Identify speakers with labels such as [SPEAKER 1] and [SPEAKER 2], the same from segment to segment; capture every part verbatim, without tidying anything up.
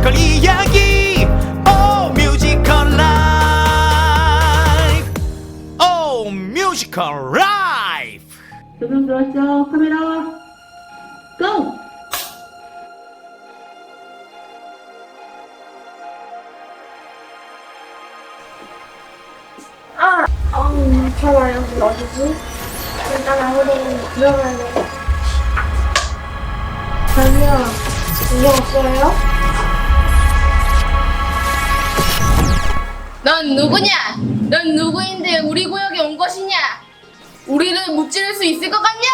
[SPEAKER 1] 뮤지컬 이야기 오 뮤지컬 라이프 오 뮤지컬 라이프.
[SPEAKER 2] 조명 들어왔죠? 카메라 고!
[SPEAKER 3] 아, 음, 잠깐만, 여기 어디지? 일단 우리 들어가야 돼. 저기요, 이거 없어요?
[SPEAKER 4] 넌 누구냐? 넌 누구인데 우리 구역에 온 것이냐? 우리를 무찌를 수 있을 것 같냐?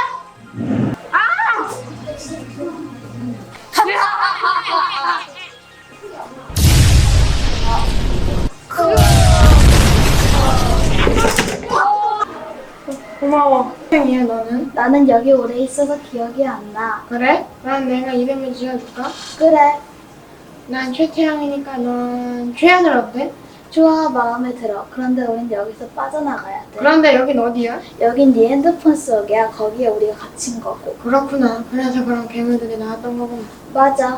[SPEAKER 3] 고마워. 혜이야, 너는?
[SPEAKER 5] 나는 여기 오래 있어서 기억이 안 나.
[SPEAKER 3] 그래? 난 내가 이름을 지어줄까?
[SPEAKER 5] 그래,
[SPEAKER 3] 난 최태양이니까 넌 최하늘 어때?
[SPEAKER 5] 좋아, 마음에 들어. 그런데 우린 여기서 빠져나가야 돼.
[SPEAKER 3] 그런데 여긴 어디야?
[SPEAKER 5] 여긴 네 핸드폰 속이야. 거기에 우리가 갇힌 거고.
[SPEAKER 3] 그렇구나. 그래서 그런 괴물들이 나왔던 거구나.
[SPEAKER 5] 맞아.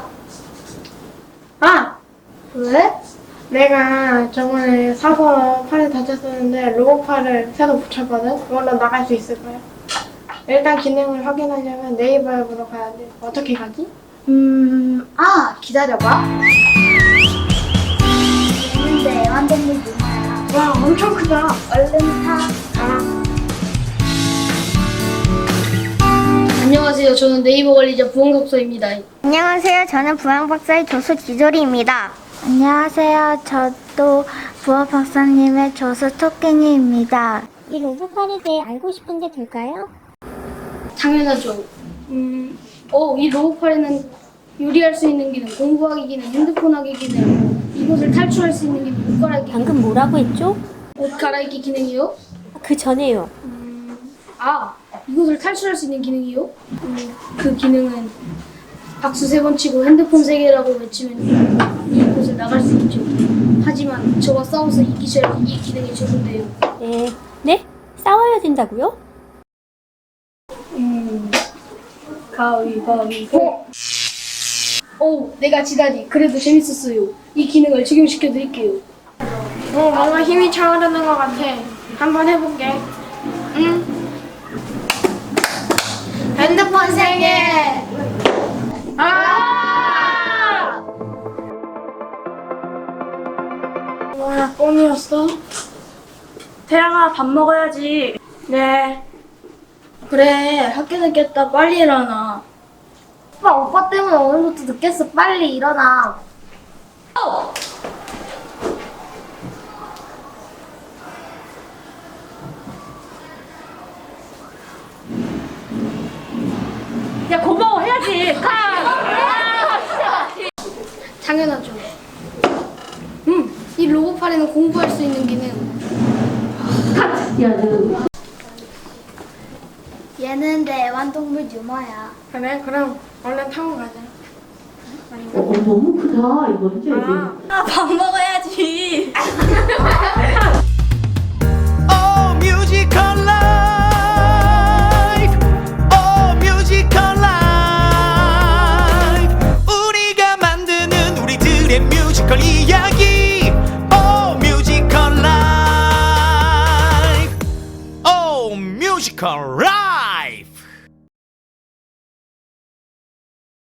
[SPEAKER 3] 아!
[SPEAKER 5] 왜?
[SPEAKER 3] 내가 저번에 사고 팔을 다쳤었는데 로봇팔을 새로 붙였거든? 그걸로 나갈 수 있을 거야. 일단 기능을 확인하려면 네이버 앱으로 가야 돼. 어떻게 가지?
[SPEAKER 5] 음, 아, 기다려봐. 얘는 애완동물 누나야.
[SPEAKER 3] 와, 엄청 크다.
[SPEAKER 5] 얼른 타.
[SPEAKER 3] 아,
[SPEAKER 4] 안녕하세요. 저는 네이버 관리자 부원급소입니다.
[SPEAKER 6] 안녕하세요. 저는 부양박사의 조수 지조리입니다. 안녕하세요. 저도 부어 박사님의 조수 토끼니입니다. 이 로봇팔에 대해 알고 싶은 게 될까요?
[SPEAKER 4] 당연하죠. 음, 어, 이 로봇팔에는 요리할 수 있는 기능, 공부하기 기능, 핸드폰 하기 기능, 이곳을 탈출할 수 있는 기능, 옷 갈아입기,
[SPEAKER 7] 방금 뭐라고 했죠?
[SPEAKER 4] 옷 갈아입기 기능이요.
[SPEAKER 7] 그 전에요.
[SPEAKER 4] 아, 이곳을 탈출할 수 있는 기능이요. 음, 그 기능은 박수 세 번 치고 핸드폰 세 개라고 외치면 이곳을 나갈 수 있죠. 하지만 저와 싸워서 이기셔야 이 기능이 적용돼요.
[SPEAKER 7] 네. 네? 싸워야 된다고요?
[SPEAKER 4] 음, 가위바위보. 오, 내가 지다니. 그래도 재밌었어요. 이 기능을 적용시켜 드릴게요.
[SPEAKER 3] 어, 뭔가 힘이 차오르는 것 같아. 한번 해볼게. 응? 핸드폰 세 개! 아! 뭐야, 꿈이었어?
[SPEAKER 2] 태양아 밥 먹어야지.
[SPEAKER 3] 네.
[SPEAKER 4] 그래, 학교 늦겠다. 빨리 일어나.
[SPEAKER 5] 오빠, 오빠 때문에 오늘부터 늦겠어. 빨리 일어나.
[SPEAKER 2] 야 고마워 해야지.
[SPEAKER 4] 당연하죠. 음, 이 로봇팔에는 공부할 수 있는 기능.
[SPEAKER 5] 얘는 내 애완동물 유머야.
[SPEAKER 3] 그래, 그럼 얼른 타고 가자.
[SPEAKER 2] 어, 너무 크다. 이거 진짜
[SPEAKER 3] 아,
[SPEAKER 2] 밥 먹어야지.
[SPEAKER 1] 오 뮤지컬 라이프 오 뮤지컬 라이프 우리가 만드는 우리들의 뮤지컬 이야기 오 뮤지컬 라이프 오 뮤지컬 라이프.